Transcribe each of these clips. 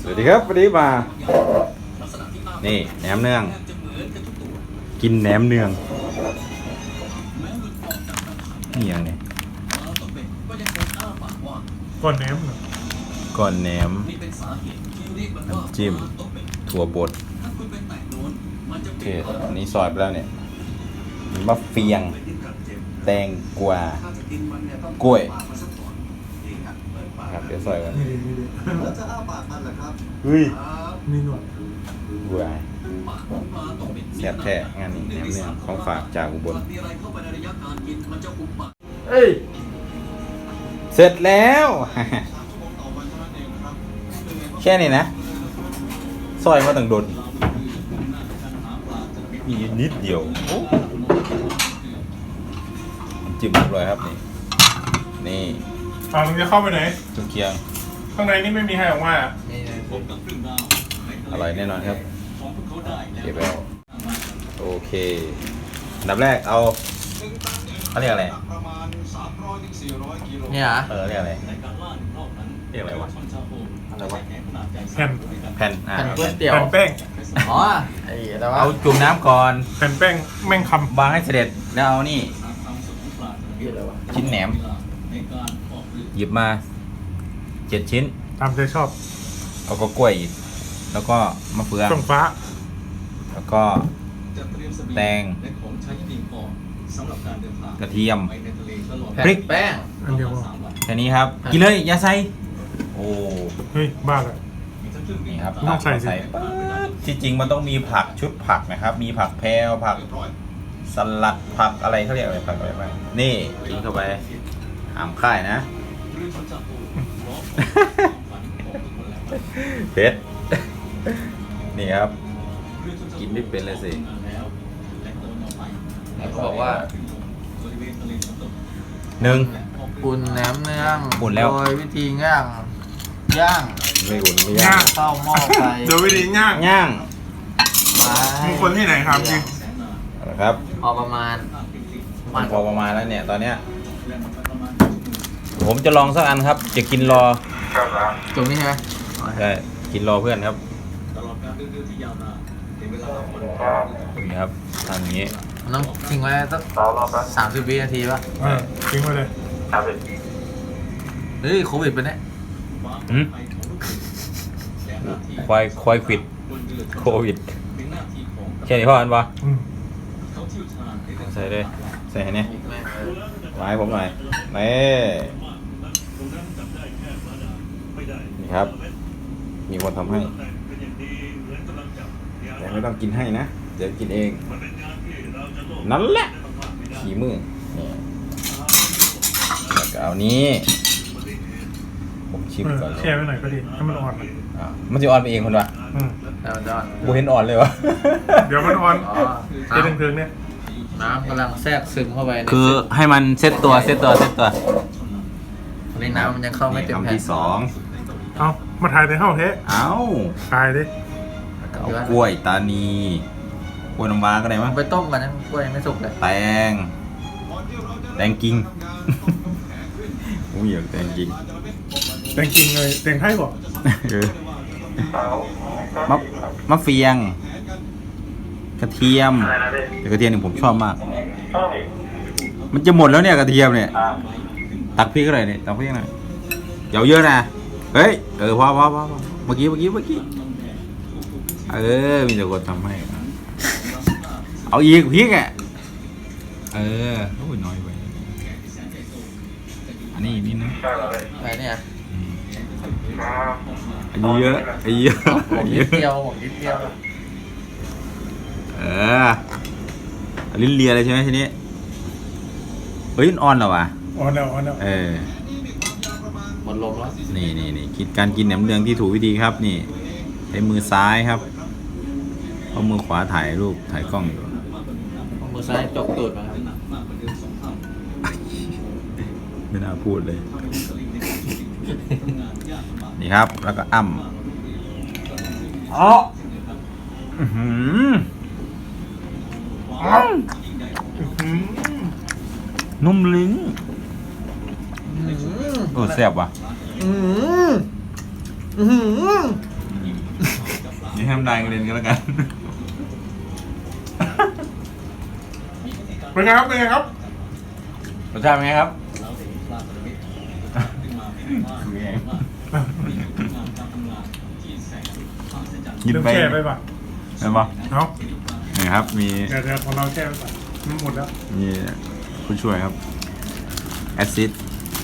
วัสดีครับวันนี้มานี่แหนมเนืองกินแหนมเนืองนี่ยังไงก้อนแหนมเหรอก้อนแหนมน้ำจิ้มถั่วบดโอเคอันนี้ซอยไปแล้วเนี่ยมีมะเฟียงแตงกวากล้วยครับเดี๋ยวซอยกันแล้วจะอ้าปากมันเหรอครับเฮ้ยมีหนวดบัวแซ่บแท้งานนี้แหนมเนืองของฝากจากอุบลเอ้ยเสร็จแล้ว แค่นี้นะซอยมาตั้งโดนมีนิดเดียวจิ้มเรียบร้อยครับนี่มึงจะเข้าไปไหนจุเคียงข้างในนี่ไม่มีใครออกมาอ่ะอร่อยแน่นอนครับเก็บแล้วโอเคอันดับแรกเอาเขาเรียกอะไรเนี่ยเหรอเรียกอะไรเรียกอะไรวะอะไรวะแผ่นแผ่นแผ่นก๋วยเตี๋ยวแผ่นแป้งอ๋อไอ้อะไรวะเอาจุ่มน้ำก่อนแผ่นแป้งแม่งควางให้เสด็จแล้วเอานี่ชิ้นแหนมหยิบมา7 ชิ้นำตามใจชอบเอาก็กล้วยอีกแล้วก็มะเฟืองเครื่องฟ้าแล้วก็แตงกระเทียมแผ่พริกนแป้งอันเดียวพอแค่นี้ครับกินเลยอย่าใส่โอ้เฮ้ยบ้าเลยนี่ครับต้องใส่สิปั๊บที่จริงมันต้องมีผักชุดผักนะครับ มีผักแพรวผักสลัดผักอะไรเขาเรียกอะไรผักอะไรบ้างนี่กินเข้าไปหามค่ายนะ เผ็ดนี่ครับ กินไม่เป็นเลยสิเขาบอกว่า 1 อุ่นแหนมเนืองอุ่นแล้วโดยวิธีย่างไม่อุ่นไม่ย่างเข้าหม้อไฟเดี๋ยววิธีย่างย่างมึงคนที่ไหนครับจริงนะครับพอประมาณพอประมาณแล้วเนี่ยตอนเนี้ยผมจะลองสักอันครับ จะกินรอตรงนี้ใช่ไหมใช่กินรอเพื่อนครับนี่ครับทำอย่างนี้มันต้องทิ้งไว้สัก30 วินาทีป่ะทิ้งไว้เลยเฮ้ยโควิดเป็นเนี่ยหืมควายปิดโควิดแค่นี้พออันปะอืมใส่เลยใส่ให้เนี่ยแม่งเลยไว้ผมหน่อยนี่ครับ มีคนทำให้แต่ไม่ต้องกินให้นะเดี๋ยวกินเองนั่นแหละขี่มือนี่แล้วก็เอานี้ผมชิมก่อนเลยแช่ไว้หน่อยก็ดีให้มันอ่อนหน่อยมันจะอ่อนไปเองคนวะอืมแล้วมันจะอ่อนกูเห็นอ่อนเลยวะเดี๋ยวมันอ่อนอ๋อเจะถึงๆเนี่ยน้ำกำลังแทรกซึมเข้าไปในคือให้มันเซตตัวในน้ำมันยังเข้าไม่เต็มคำแผ่นที่ 2 เอามาถ่ายในห้องเทะเอ้าถ่ายดิเอากล้วยตานีกล้วยน้ำว้าก็ได้มั้งไปต้มกันนะกล้วยยังไม่สุกเลยแตงกิ่ง ผมอยากแตงกิ่งแต่งจริงเลยแต่งไทยบอกเออมะเฟียง กระเทียมแต่กระเทียมนี่ผมชอบมาก มันจะหมดแล้วเนี่ยกระเทียมเนี่ยตักพริกอะไรเนี่ยตักพริกหน่อยอย่าเยอะนะเฮ้ยพอเมื่อกี้มีแต่คนทำให้เอาอีกพริกอ่ะโอ้ยน้อยไปอันนี้อีกนิดนึงอะไรเนี่ยอันนี้เยอะผมนิดเดียวผมนิดเดียวลิ้นเลียเลยใช่ไหมทีนี้เฮ้ยอ่อนเหรอวะอ่อนแล้วหมดลมแล้วนี่คิดการกินแหนมเนืองที่ถูกวิธีครับนี่ใช้มือซ้ายครับเพราะมือขวาถ่ายรูปถ่ายกล้องอยู่เอามือซ้ายจกตูดมาครับไม่น่าพูดเลย นี่ครับแล้วก็อ้ำนุ่มลิ้นโอ้แซ่บว่ะอืมอืมอย่าให้น้ำลายกระเด็นก็แล้วกันเป็นไงครับเป็นไงครับรสชาติเป็นไงครับคือไงกินเริ่มไปแช่ไปป่ะเห็นปะเอานี่ครับ มีเดี๋ยวของเราแช่ไปป่ะมันหมดแล้วมีผู้ช่วยครับแอซิด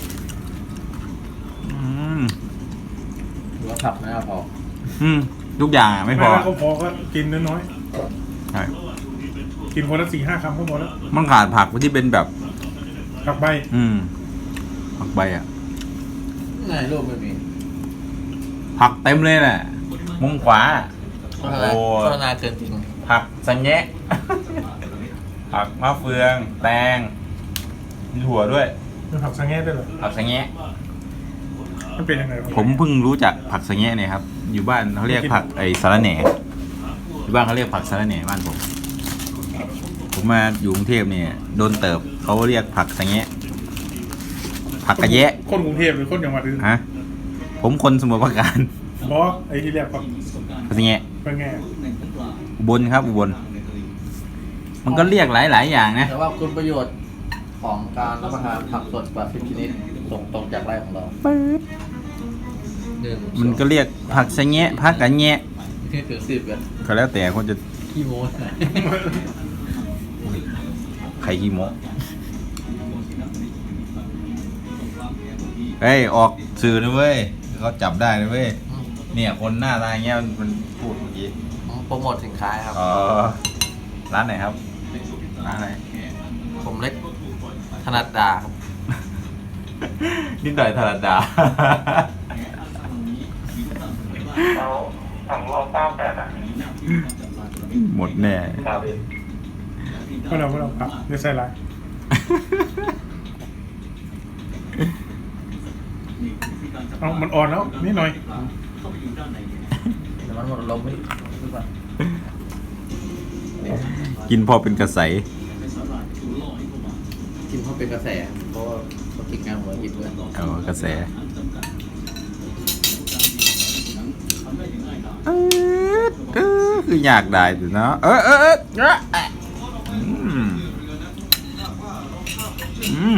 หรือว่าผักไม่เอาพอทุกอย่างอะไม่พอก็พอก็กินน้อยใช่ๆกินคนละ4-5 คำก็พอแล้วมันขาดผักที่เป็นแบบผักใบผักใบอ่ะไงรูปไม่มีผักเต็มเลยแหละมุมขวาโฆษณาโฆษณาเกินจริงผักสังแงะ ผักมะเฟือง แตงมีถั่วด้วยเป็นผักสังแง่ด้วยเหรอผักสังแงะมันเป็นยังไงผมเพิ่งรู้จักผักสังแงะเนี่ยครับ อยู่บ้านเขาเรียกผักไอ้สาระแหน่อยู่บ้านเขาเรียกผักสาระแหน่บ้านผมมาอยู่กรุงเทพเนี่ยโดนเติบเขาเรียกผักสังแงะผักกระแยะคนกรุงเทพหรือคนจังหวัดอื่นฮะผมคนสมุทรปราการบอไอ้ที่เรียกผักผักสังแงะเป็นไงอุบลครับอุบลมันก็เรียกหลายอย่างนะแต่ว่าคุณประโยชน์ของการรับประทานผักสดกว่า10 ชนิดส่งตรงจากไร่ของเราหนึ่งมันก็เรียกผักสังแงะผักกระแยะที่ถึง10กันก็แล้วแต่คนจะขี้โม้ใครขี้โมเฮ้ยออกสื่อนะเว้ยเขาจับได้นะเว้ยเนี่ยคนหน้าตาอย่างเงี้ยมันพูดเมื่อกี้โปรโมทสินค้าครับอ๋อร้านไหนครับร้านอะไรผมเล็กธนัดดาครับนิดหน่อยธรรมดาเราสั่งรอบ98อ่ะหมดแน่ครับพวกเราผักไม่ใส่ไรเอามันอ่อนแล้วนิดหน่อยแต่มันหมดลมไม่รู้ป่ะกินพอเป็นกระใสกินเพราะเป็นกระแสเพราะว่าเขากินงานหัวกินด้วยเอากระแสคืออยากได้สิเนาะอืม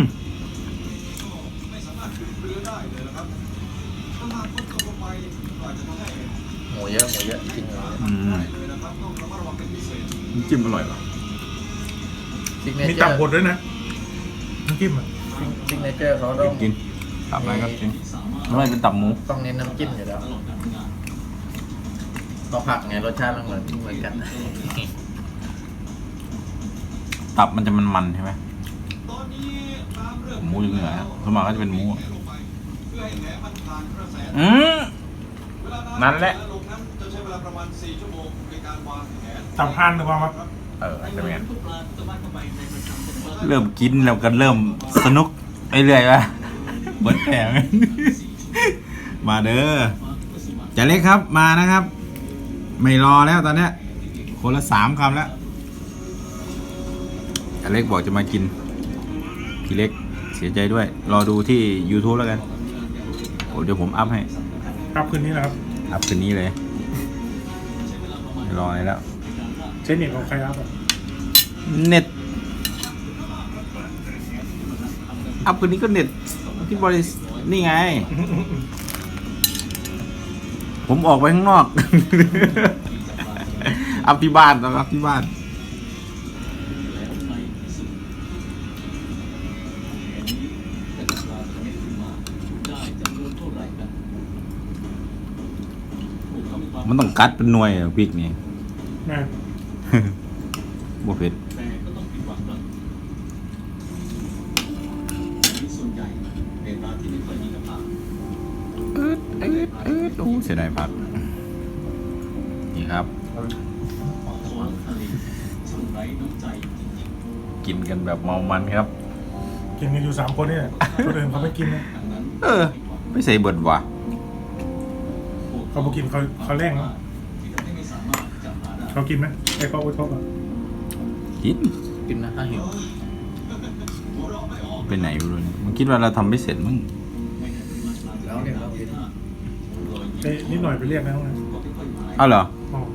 หมูเยอะกินหมูเยอะน้ำจิ้มอร่อยป่ะซิกเนมีเจอตับร์บดด้วยนะน้ำจิ้มอ่ะซิกเนเจอร์เขาต้องกินตับอะไรก็กินไม่เป็นตับหมูต้องเน้นน้ำจิ้มอยู่แล้วก็ผักไงรสชาติมันเหมือนกันตับมันจะมันๆใช่ไหมหมูอยู่เหนือสวนมากก็จะเป็นหมูนั่นแหละตับห่านหรือเปล่าครับจะเป็นไงเริ่มกินแล้วก็เริ่มสนุกไปเรื่อยวะเหมือนแผง มาเด้อจะเล็กครับมานะครับ ไม่รอแล้วตอนเนี้ยคนละ3 คำแล้วจะเล็กบอกจะมากินพี่เล็กเสียใจด้วย รอดูที่ YouTube แล้วกันโอ้เดี๋ยวผมอัพให้ครับคืนนี้นะครับอัพคืนนี้เลยไม่รออะไรแล้วเช่นนี้ของใครครับเน็ตอัพคืนนี้ก็เน็ตที่บริษัทนี่ไง ผมออกไปข้างนอก อัพที่บ้านนะครับที่บ้านมันต้องกัดเป็นหน่วยอะพริกนี่แม่บ่เผ็ดโอ้เสียดายผักนี่ครับ กินกันแบบเมามันครับกินกันอยู่3 คนนี่แหละคนอื่นเขาไม่กินนะไม่ใส่เบิดว่ะเขาบอกกินเขาแร่งนะเขากินไหมไอ้เขาโอ๊ตเขาอ่ะกินนะถ้าหิวไปไหนไม่รู้เนี่ยมันคิดว่าเราทำไม่เสร็จมั้งแล้วเนี่ยเรากินนิดหน่อยไปเรียกนะห้องนั้นอ้าวเหรออ๋อ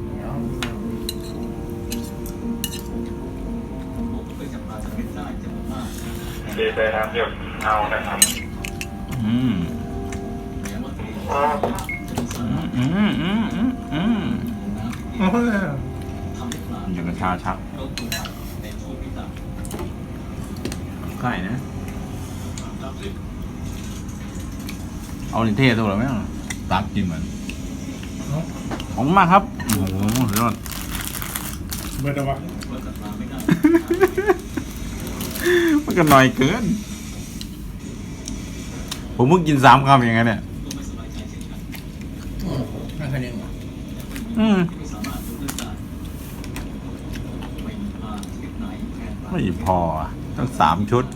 ดีใจครับเดี๋ยวเอานะครับอืมโอ้โอ้ยอย่างกระชาชักไข่นะ เอาลินเทตัวหรือไม่ตักกินเหมือนเนาะของมากครับ โอ้โหสุดยอดเบิดเอาวะมันก็หน่อยเกิน ผมเพิ่งกิน3 คำอย่างไงเนี่ยไม่เคยเลี้ยงหรออืมไม่พออ่ะต้อง3 ชุด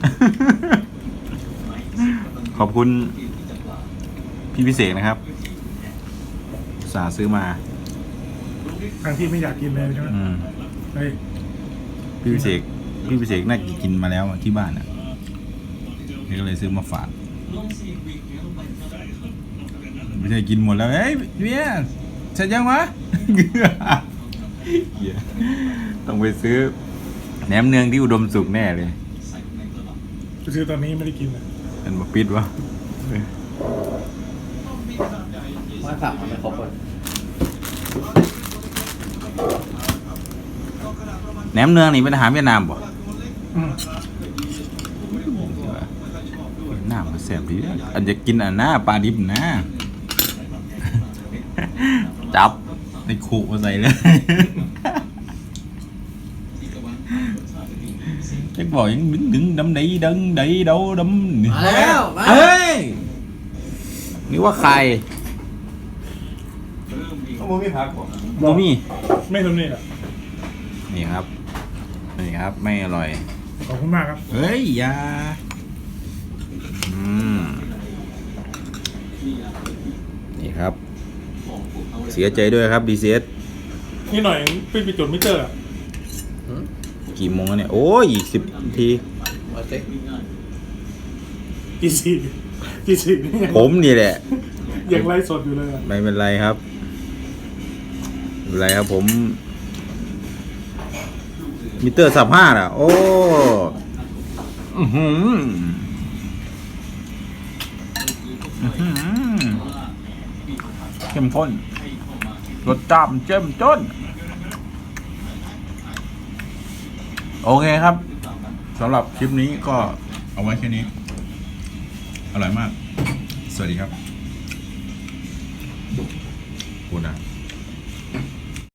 ขอบคุณพี่พิเศษนะครับอุตสาห์ซื้อมาทางที่ไม่อยากกินเลยใช่ไหมอืมเฮ้ยพี่พิเศษน่ากินมาแล้วอะที่บ้านอ่ะนี่ก็เลยซื้อมาฝากไม่ใช่กินหมดแล้วเฮ้ยเบียร์เสร็จยังวะ เหี้ยต้องไปซื้อแหนมเนืองที่อุดมสุขแน่เลยไปซื้อตอนนี้ไม่ได้กินเลยมันมาปิดวะไม่สั่งมันไม่ครบเลยแหนมเนืองนี่เป็นอาหารเวียดนามป่ะอืมหน้ามันแสบดีอันจะกินอันหน้าปลาดิบนะ จับในขู่มาใส่เลย chắcบอกยังđứng đấm đẩy đấm đẩy đâu đấm มาแล้วมาเฮ้ยนี่ว่าใครต้องมีผักบ่โมมี่ไม่ทำนี่อ่ะนี่ครับนี่ครับไม่อร่อยขอบคุณมากครับเฮ้ยอยานี่ครับ เสียใจด้วยครับ DCS นี่หน่อยเป็นไปจดมิเตอร์อะกี่โมงแล้วเนี่ย โอ้ยอีก10 นาทีมาสิกี่สี่กี่สี่นี่ยังผมนี่แหละยังไลฟ์สดอยู่เลยอะไม่เป็นไรครับไม่เป็นไรครับผม มิเตอร์35อ่ะ โอ้อื้อหืออื้อหือเข้มข้นรสจ้ำเจ้มจนโอเคครับสำหรับคลิปนี้ก็เอาไว้แค่นี้ อร่อยมาก สวัสดีครับ คุณอ่ะ